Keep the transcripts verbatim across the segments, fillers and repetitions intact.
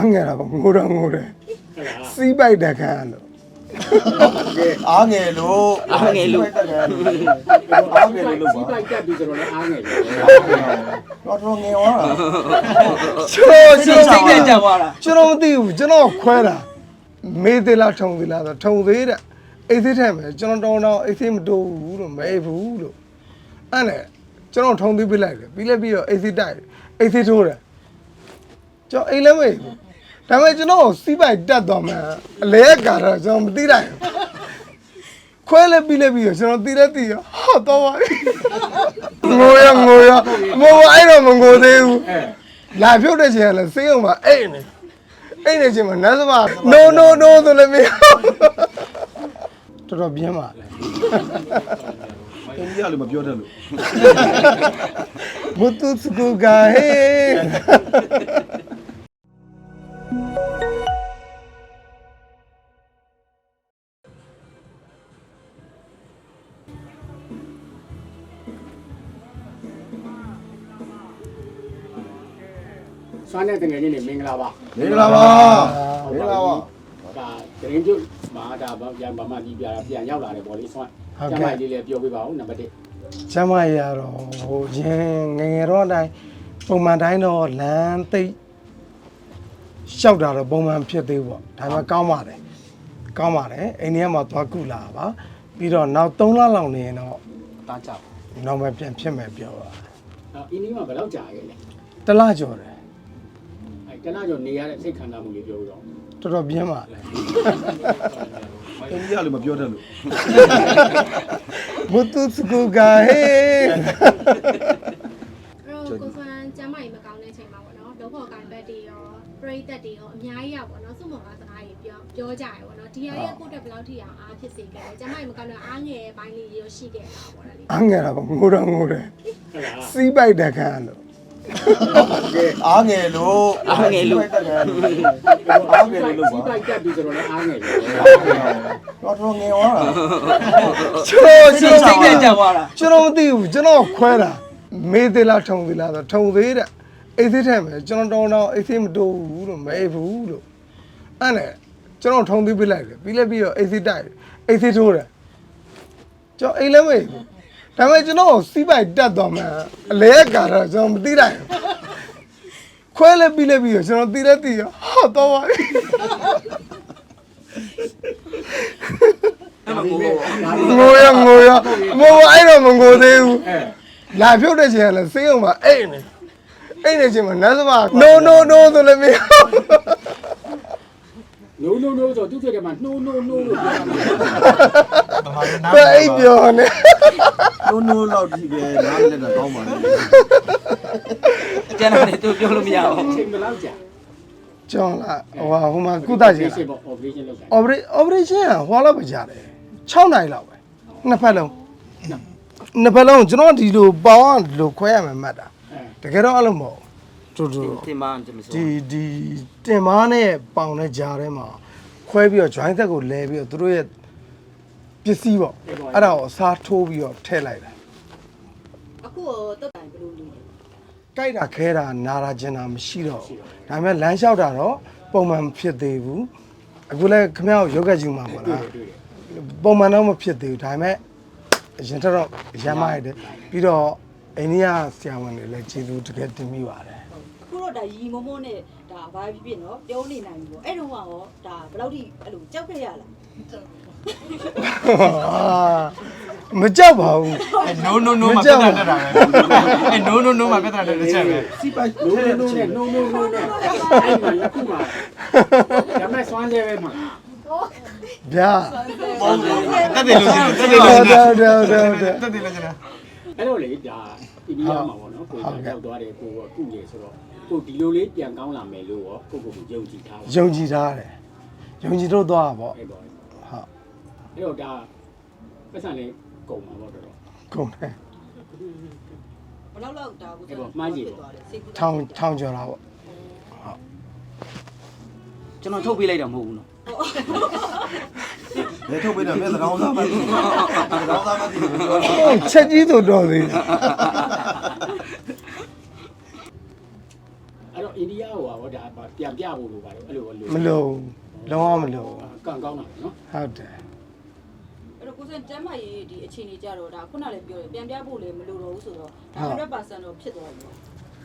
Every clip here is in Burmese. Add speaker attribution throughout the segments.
Speaker 1: ငယ်တာပေါ့ငိုတော့ငိုတယ်စီးပိုက်တက်ခံလို့
Speaker 2: အားငယ်လို့
Speaker 3: အားငယ်လို့
Speaker 2: အားငယ်လို့လို့ပါ
Speaker 4: စီးပိုက်တက်ပြီးဆိုတော့လည်းအားငယ်တယ်
Speaker 2: တော်တော်ငယ်သွားတာ
Speaker 1: ကျွန်တော်ကျွန်တော်
Speaker 3: စိတ်နဲ့ကြောက်သွားတာ
Speaker 1: ကျွန်တော်မသိဘူးကျွန်တော်ခွဲတာမေးသေးလားထုံသေးလားဆိုထုံသေးတဲ့အိတ်သေးထဲမှာကျွန်တော်တောင်းတော့အိတ်သေးမတိုးဘူးလို့မအိတ်ဘူးလို့အဲ့နဲ့ကျွန်တော်ထုံသေးပြလိုက်တယ်ပြီးလည်းပြီးတော့အိတ်သေးတိုက်အိတ်သေးထိုးတယ်ကျွန်တော်အိတ်လည်းမအိတ်ဘူးဒါပေမဲ့ကျွန်တော်စီးပိုက်တက်သွားမှအလဲကတော့ကျွန်တော်မသိလိုက်ဘူးခွဲလည်းပြီးလည်းပြီးတော့ကျွန်တော်သိလည်းသိရဟာတော့ပါငိုရငိုရငိုအဲ့တော့မငိုသေးဘူးလာဖြုတ်တဲ့ချိန်ကလည်းစေးအောင်ပါအိတ်နေအိတ်နေချိန်မှာနတ်စမ no no no ဆိုလည်းမရတော်တော်ပြင်းပါ
Speaker 2: အင်းကြီးကလည်းမပြောတတ်လို့
Speaker 1: မတူစကူကဟေ
Speaker 4: စွမ်းတဲ့တငယ်ချင်းတွေမင်္ဂလာပါ
Speaker 2: မင်္ဂလာပါမင်္ဂလာပါ
Speaker 4: ဒါတရင်ကျွတ်မှာဒါပြန်ဗမာကြီးပြတာပြန်ရောက်လာတယ်ဗောလေစွမ်းကျမကြီးလေးပြောပြပါဦးနံပါတ်တစ်
Speaker 1: ကျမရတော့ဟိုရင်ငငယ်တော့အတိုင်းပုံမှန်တိုင်းတော့လမ်းသိပ်လျှောက်တာတော့ပုံမှန်ဖြစ်သေးပေါ့ဒါပေမဲ့ကောင်းပါတယ်ကောင်းပါတယ်အိန္ဒိယမှာသွားကုလာပါပြီးတော့နောက်သုံးလလောက်နေရင်တော့
Speaker 3: တားကြောက်
Speaker 1: နောက်မှပြန်ဖြစ်မယ်ပြောပါ
Speaker 4: အော်အင်းဒီမှာဘယ်လောက်ကြာခဲ့လဲ
Speaker 1: တလားကျော်တယ်
Speaker 4: အဲတလားကျော်နေရတဲ့စိတ်ခံစားမှုလေးပြောပြတော့
Speaker 1: တော်တော်ပြင်းပါလေ
Speaker 2: အင်းကြီးကလည်းမပြောတတ်လို့
Speaker 1: မတူစကူကဟေ
Speaker 5: အဲ့တော့ကိုစွမ်းကျမ်းမာရေးမကောင်းတဲ့အချိန်မှာပေါ့နော်လောဘောကိုင်ဘက်တွေရောပရိသတ်တွေရောအများကြီးရပေါ့နော်စုမော်ကစကားကြီးပြောပြောကြရပေါ့နော်ဒီဟာရဲ့ကိုတက်ဘယ်လောက်ထိအောင်အားဖြစ်စေခဲ့လဲကျမ်းမာရေးမကောင်းတော့အားငယ်ပိုင်းလေးရောရှိခဲ့တာပေါ့လေ
Speaker 1: အားငယ်တာပေါ့ငိုတော့ငိုတယ်စီးပိုက်တက်ခံလို့
Speaker 2: အားငယ်လို့
Speaker 3: အားငယ်လို့
Speaker 2: အားငယ်လို့လို့ပါ
Speaker 4: စီးပိုက်တက်ပြီးဆိုတော့လည်းအားငယ်တယ်
Speaker 2: တော်တော်ငယ်သွားတာ
Speaker 1: ကျွန်တော်ကျွန်တော်
Speaker 3: စိတ်နဲ့ကြောက်သွားတာ
Speaker 1: ကျွန်တော်မသိဘူးကျွန်တော်ခွဲတာမေးသေးလားထုံသေးလားဆိုထုံသေးတဲ့အိတ်သေးထဲမှာကျွန်တော်တောင်းတော့အိတ်သေးမတိုးဘူးလို့မအိတ်ဘူးလို့အဲ့နဲ့ကျွန်တော်ထုံသေးပြလိုက်တယ်ပြီးလည်းပြီးတော့အိတ်သေးတိုက်အိတ်သေးထိုးတယ်ကျွန်တော်အိတ်လည်းမအိတ်ဘူးဒါပေမဲ့ကျွန်တော်စီးပိုက်တက်သွားမှအလဲကတော့ကျွန်တော်မသိလိုက်ဘူးခွဲလည်းပြီးလည်းပြီးတော့ကျွန်တော်သိလည်းသိရဟာတော့ပါငိုရငိုရငိုအဲ့တော့မငိုသေးဘူးလာဖြုတ်တဲ့ချိန်ကလည်းစေးအောင်ပါအိတ်နေအိတ်နေချိန်မှာနတ်စမ no no no ဆိုလည်းမရ
Speaker 4: no no no ဆိုသူဖြစ်တယ်မှာ no no no လို့ပြောတာ
Speaker 1: ပဲအိတ်ပြောနေ
Speaker 2: နိုးနိုးလောက်ကြည့်ပဲနားလည်းတော့ကောင်းပါလေ
Speaker 3: ကျန်တယ်သူပြောလို့မရအောင်
Speaker 4: အချိန်ဘယ်လောက်ကြာ
Speaker 1: ကျောင်းလာဟိုဟာဟိုမှာကုသချင်
Speaker 4: operation လုပ်တာ
Speaker 1: operation operation ကဟိုလောက်ပဲကြာတယ်၆နိုင်လောက်ပဲနှစ်ဖက်လုံးနှစ်ဖက်လုံးကျွန်တော်ဒီလိုပေါင်းဒီလိုခွဲရမယ်မှတ်တာတကယ်တော့အဲ့လိုမဟုတ်တူတူ
Speaker 3: တင်မန်းတင်မစိုး
Speaker 1: ဒီဒီတင်မားနဲ့ပေါင်နဲ့ကြားထဲမှာခွဲပြီးတော့ joint သက်ကိုလဲပြီးတော့သူတို့ရဲ့ပစ္စည်းပေါ့အဲ့ဒါကိုအစားထိုးပြီးတော့ထည့်လိုက်တာ
Speaker 5: အခုတော့တက်တိုင်ဘယ်လိုလုပ်လဲ
Speaker 1: ကြိုက်တာခဲတာနာတာကျင်တာမရှိတော့ဘူးဒါပေမဲ့လမ်းလျှောက်တာတော့ပုံမှန်ဖြစ်သေးဘူးအခုလည်းခမရယောဂဂျူမှာပေါ့လားပုံမှန်တော့မဖြစ်သေးဘူးဒါပေမဲ့အရင်တော့ရမ်းမရတယ်ပြီးတော့အိန္ဒိယဆရာဝန်တွေလည်းကျေးဇူးတကယ်တင်မိပါတယ်
Speaker 6: ခုတော့ဒါရီမမိုးနဲ့ဒါဘာဖြစ်ဖြစ်နော်ပြောနေနိုင်ပြီပေါ့အဲ့တုန်းကရောဒါဘယ်လောက်ထိအဲ့လိုကြောက်ခဲ့ရလား
Speaker 1: မကြောက်ပါဘူး
Speaker 3: no no no မှာပြတ်တာတက်တာပဲအဲ no no no မှာပြတ်တာတက်တဲ့ချက်ပဲ
Speaker 2: စီပိုက်
Speaker 4: no no no နဲ့ no no no နဲ့အဲ့မှာလက်ခုမှာဒါမဲ့စွမ်းသေးပဲမှာ
Speaker 1: ဗျာ
Speaker 3: တက်တယ်လို့ကျတက်တယ်လို့ကျတက်တယ်လို့ကျတက်တယ်လို့ကျ
Speaker 4: အဲ့တော့လေဒါအိန္ဒိယမှာပေါ့နော်ကိုယ်ရောက်သွားတယ်ကိုကကုရေဆိုတော့ကိုဒီလိုလေးပြန်ကောင်းလာမယ်လို့ရောကိုကိုကိုယုံကြည်ထားပါ
Speaker 1: ယုံကြည်ထားတယ်ယုံကြည်တော့သွားပါပေါ့
Speaker 4: အဲ့တော့
Speaker 1: ဟုတ်
Speaker 4: အဲ့တော့ဒါပတ်စံလေးကုန်ပါတော့တော်တော်
Speaker 1: ကုန်တယ်
Speaker 6: ဘယ်လောက်လောက်ဒါကို
Speaker 1: ထောင်ထောင်ကျော်တာပေါ့ဟုတ်
Speaker 3: ကျွန်တော်ထုတ်ပေးလိုက်တာမဟုတ်ဘူးနော်
Speaker 2: ဘယ်ထုတ်ပေးတာလဲသကောင်းသားပဲသကောင်းသားမသိဘူးပြော
Speaker 1: တော့ချက်ကြီးဆိုတော့သေး
Speaker 4: အဲ့တော့အိန္ဒိဒီယာဟိုဟောဒါပြန်ပြဖို့လိုပါတယ်အဲ့လိုလို
Speaker 1: မလို့လုံးဝမလို့
Speaker 4: ကံကောင်းတာနော်
Speaker 1: ဟုတ်တယ်
Speaker 6: အဲ့တော့ကိုစံကျမ်းမာရေးဒီအခြေအနေကြတော့ဒါခုနလည်းပြောတယ်ပြန်ပြဖို့လည်းမလိုတော့ဘူးဆိုတော့ဒါ one hundred percent တော့ဖြစ်သွားပြီပေါ့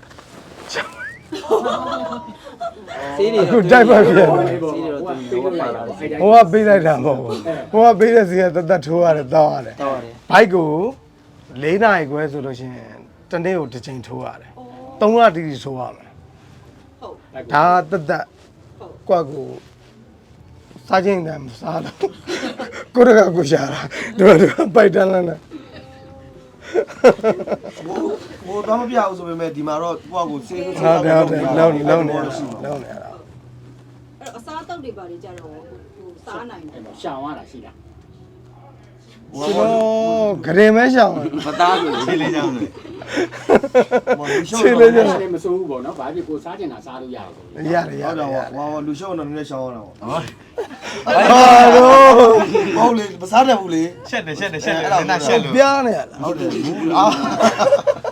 Speaker 3: ဆေးတွေ
Speaker 1: အခုတိုက်ပတ်ပြန်
Speaker 3: ဆေးတွေတော့သူဟိုပါလာတယ်
Speaker 1: ဟိုကပေးလိုက်တာမဟုတ်ဘူးဟိုကပေးတဲ့စီကတသက်ထိုးရတယ်တောင်းရတယ်
Speaker 3: တော့ရတယ်
Speaker 1: ဘိုက်ကို၄နာရီခွဲဆိုလို့ရှိရင်တနေ့ကိုတစ်ချိန်ထိုးရတယ်သုံးလတိတိထိုးရမယ်
Speaker 6: ဟုတ်
Speaker 1: ဒါတသက်
Speaker 6: ဟုတ်
Speaker 1: ကွက်ကိုစားချင်းတယ်မစားတော့ကိုရကကိုရှာတာတို့တို့ပိုက်တန်းလန်းနဲ့
Speaker 2: ဟိုဟိုတော့မပြဘူးဆိုပေမဲ့ဒီမှာတော့ကိုယ့်ကိုစေးစေး
Speaker 1: ဟုတ်တယ်ဟုတ်တယ်လုံးလုံးနေလုံးနေရတာ
Speaker 6: အဲ့တော့အစားအသောက်တွေပါလေကြတော့ဟိုစားနိုင်တယ်
Speaker 4: အဲ့ရှောင်ရတာရှိတာ
Speaker 1: ကျွန်တော်ဂရင်မဲရှောင်း
Speaker 3: မသားဆိုဆေးလေးကြောင်းလေ
Speaker 2: ဟိုလူရှုံး
Speaker 1: ခြေ
Speaker 2: တော့
Speaker 1: လေး
Speaker 2: ဟုတ်
Speaker 1: ကျ
Speaker 4: လည်းမစိုးဘူးပေါ့နော်ဘာဖြစ်ကိုစားကျင်တာစားလို့ရတယ်
Speaker 1: ရတယ်ရတယ်
Speaker 2: တော့
Speaker 1: ရ
Speaker 2: ဟိုလူရှုံးတော့နည်းနည်းရှောင်းရတာပေါ့
Speaker 3: ဟော
Speaker 1: ဟာတော့
Speaker 2: ဟုတ်လေမစားတတ်ဘူးလေ
Speaker 3: ရှက်တယ်ရှက်တယ်ရှက်တယ်နားရှက်လို့
Speaker 1: ပြားနေရလား
Speaker 2: ဟုတ်တယ်ဘူးအာ